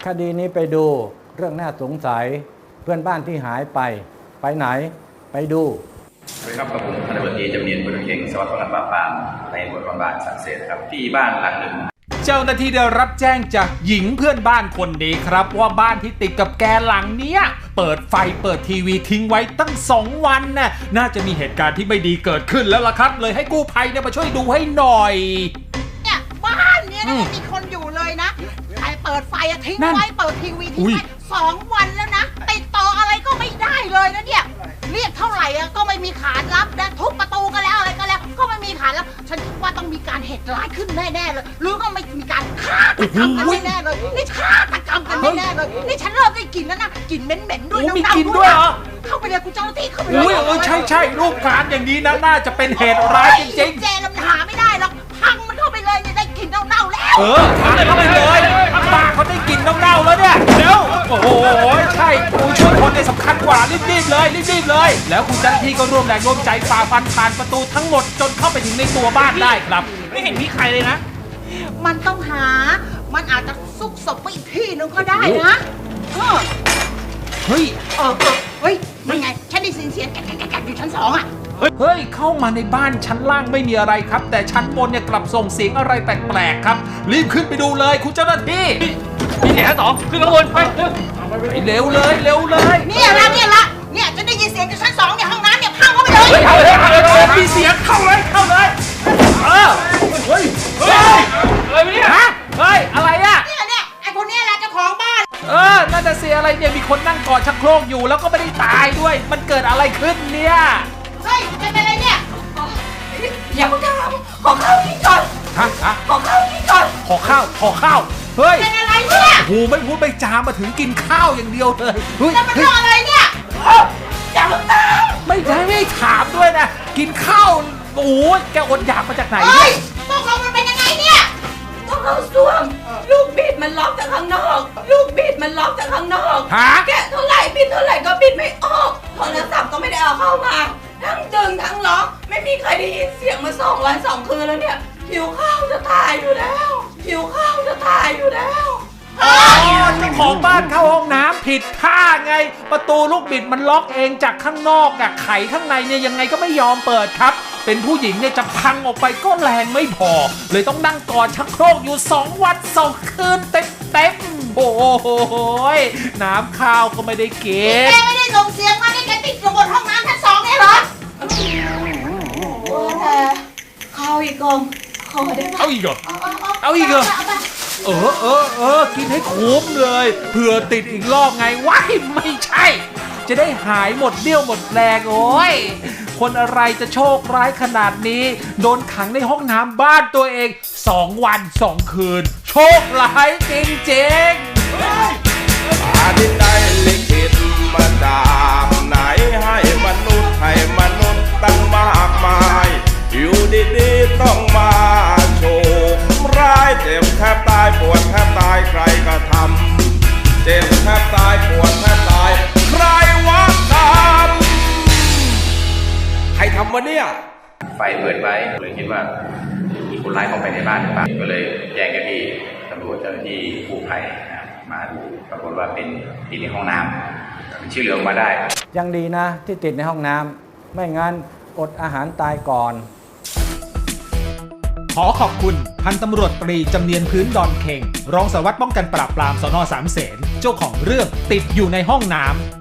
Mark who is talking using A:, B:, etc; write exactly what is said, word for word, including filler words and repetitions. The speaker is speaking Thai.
A: ดีนี้ไปดูเรื่องน่าสงสัยเพื่อนบ้านที่หายไปไปไหนไปดู
B: สวัสดีครับกับผมพันตำรวจตรีจำเนียนบุญเข่งสวัสดิ์ป้องกันปราบปรามในบทบาทบาทสังเสริฐครับที่บ้านหลังหนึ่ง
C: เจ้าหน้าที่ได้รับแจ้งจากหญิงเพื่อนบ้านคนนี้ครับว่าบ้านที่ติดกับแกหลังเนี้ยเปิดไฟเปิดทีวีทิ้งไว้ตั้งสองวันน่ะน่าจะมีเหตุการณ์ที่ไม่ดีเกิดขึ้นแล้วล่ะครับเลยให้กู้ภัยเนี่ยมาช่วยดูให้หน่อย
D: เนี่ยบ้านเนี้ยนะมีคนอยู่เลยนะใครเปิดไฟอะทิ้งไว้เปิดทีวีทิ้งไว้สองวันแล้วนะติดต่ออะไรก็ไม่ได้เลยนะเนี่ยเรียกเท่าไหร่อะก็ไม่มีขานรับนะทุบประตูกันแล้วอะไรก็แล้วก็ไม่มีขานรับฉันคิดว่าต้องมีการเหตุร้ายขึ้นแน่ๆเลยหรือก็ไม่มีการฆาตกรรมกันแน่ๆเลยนี่ฆาตกรรมกันแน่ๆเลยนี่ฉันเริ่มได้กลิ่นแล้วนะกลิ่นเหม็นๆด้วย
C: มีกลิ่นด้วยเหรอ
D: เข้าไปเลยคุณเจ้าหน้าที่เข้าไปเลย
C: อุ้ยเออใช่ใช่รูปการอย่างนี้นะน่าจะเป็นเหตุร้ายจริง
D: ๆแจมันหาไม่ได้หรอกพังมันเข้าไปเลยเนี่ยได้กลิ่นเน่าๆแล้ว
C: เออพังเข้าไปเลยป้าเขาได้กลิ่นเน่าๆแล้วเนี่ยเดี๋ยวโอ้โหใช่ผู้ช่วยคนในสำคัญกว่ารีบๆเลยรีบๆเลยแล้วคุณเจ้าหน้าที่ก็ร่วมแรงร่วมใจฝ่าฟันผ่านประตูทั้งหมดจนเข้าไปถึงในตัวบ้านได้ครับไม่เห็นมีใครเลยนะ
D: มันต้องหามันอาจจะซุกศพไปอีกที่นึงก็ได้นะ
C: เฮ้ย
D: เออเฮ้ยไม่ไงฉันได้ยินเสียงแกะแกะแกะอยู่ชั้นสองอ่ะ
C: เฮ้ยเข้ามาในบ้านชั้นล่างไม่มีอะไรครับแต่ชั้นบนเนี่ยกลับส่งเสียงอะไรแปลกๆครับรีบขึ้นไปดูเลยคุณเจ้าหน้าที่มีเสียงชั้นสองขึ้นข้างบนไปเร็วเลยเร็วเลย
D: เนี่ยละเนี่ยละเนี่ยจะได้ยินเสียงจากชั้นสองเนี่ยห้องน้ำเนี่ยพังเข้าไปเลย
C: เข้าเลยเข้าเลยมีเสียงเข้าเลยเข้าเลยเออเฮ้ยเฮ้ยอะไรเนี่ยฮะเฮ้ยอะไรอ่ะ
D: เนี่ยเนี่ยไอ้คนนี้แหละเจ้าของบ้าน
C: เออน่าจะเสียอะไรเนี่ยมีคนนั่งกอดชักโครกอยู่แล้วก็ไม่ได้ตายด้วยมันเกิดอะไรขึ้นเนี่ย
D: เฮ้ยเป็นอะไรเนี่ยอย่าเพิ่งทำขอข้าวกินก่อน
C: ฮะฮะ
D: ขอข้าวกินก่อน
C: ขอข้าวขอข้าวเฮ้ย
D: เป็นอะไรเนี่ย
C: โอ้ไม่พูดไม่จามาถึงกินข้าวอย่างเดียวเลย
D: เฮ้ยแล้วมันเรื่องอะไรเนี่ยอย่าเพิ่งทำ
C: ไม่ได้ไม่ถามด้วยนะกินข้าวโอ้ยแกอดอยากมาจากไหน
D: เนี่ยตกลงมันเป็นยังไงเนี่ย
E: ต้องเข้าซ่วมลูกบิดมันล็อกจากข้างนอกลูกบิดมันล็อกจากข้างนอกแกะเท่าไหร่บิดเท่าไหร่ก็บิดไม่ออกโทรศัพท์ก็ไม่ได้เอาเข้ามาทั้งดึงทั้งล็อกไม่มีใครได้ยินเสียงมาสองวันสองคืนแล้วเนี่ยหิวข้าวจะตายอยู่แล้วหิวข้าวจะตายอยู่แล้ว
C: อ๋อเจ้าของบ้านเข้าห้องน้ำผิดท่าไงประตูลูกบิดมันล็อกเองจากข้างนอกอะไขข้างในเนี่ยยังไงก็ไม่ยอมเปิดครับเป็นผู้หญิงเนี่ยจะพังออกไปก็แรงไม่พอเลยต้องนั่งกอดชักโครกอยู่สองวันสองคืนเต็มเต็มโอ้โหน้ำข้าวก็ไม่ได้เก็บ
D: แกไม่ได้ส่งเสียงมาได้แกติดอยู่บนห้องน้ำชั้นสองเนี่ยเหรอ
E: ข้าวอีกกล่องขอได้ไหม
C: เอาอีกเหรอเอาอีกเหรอเออเออเออกินให้คุ้มเลยเผื่อติดอีกรอบไงว้ายไม่ใช่จะได้หายหมดเดี่ยวหมดแรงโอ้ยคนอะไรจะโชคร้ายขนาดนี้โดนขังในห้องน้ำบ้านตัวเองสองวันสองคืนโชคร้ายจริงๆ
F: ฟ้าดินได้ลิขิตมาจากไหนให้มนุษย์ให้มนุษย์ตั้งมากมายอยู่ดีๆต้องมาโชคร้ายเจ็บแทบตายปวดแทบตายใครก็ทำเจ็บแทบตายปวดแทบตายใครวะทำใครทำวะเนี่ย
B: ไฟเปิดไว้เลยคิดว่ามีคนร้ายเข้าไปในบ้านหรือเปล่าก็เลยแจ้งเจ้าหน้าที่ตำรวจเจ้าหน้าที่กู้ภัยมาดูปรากฏว่าเป็นติดในห้องน้ำชื่อเหลืองมาได้
A: ยังดีนะที่ติดในห้องน้ำไม่งั้นอดอาหารตายก่อน
C: ขอขอบคุณพันตำรวจตรีจำเนียนพื้นดอนเข่งรองสารวัตรป้องกันปราบปรามสน.สามเสนเจ้าของเรื่องติดอยู่ในห้องน้ำ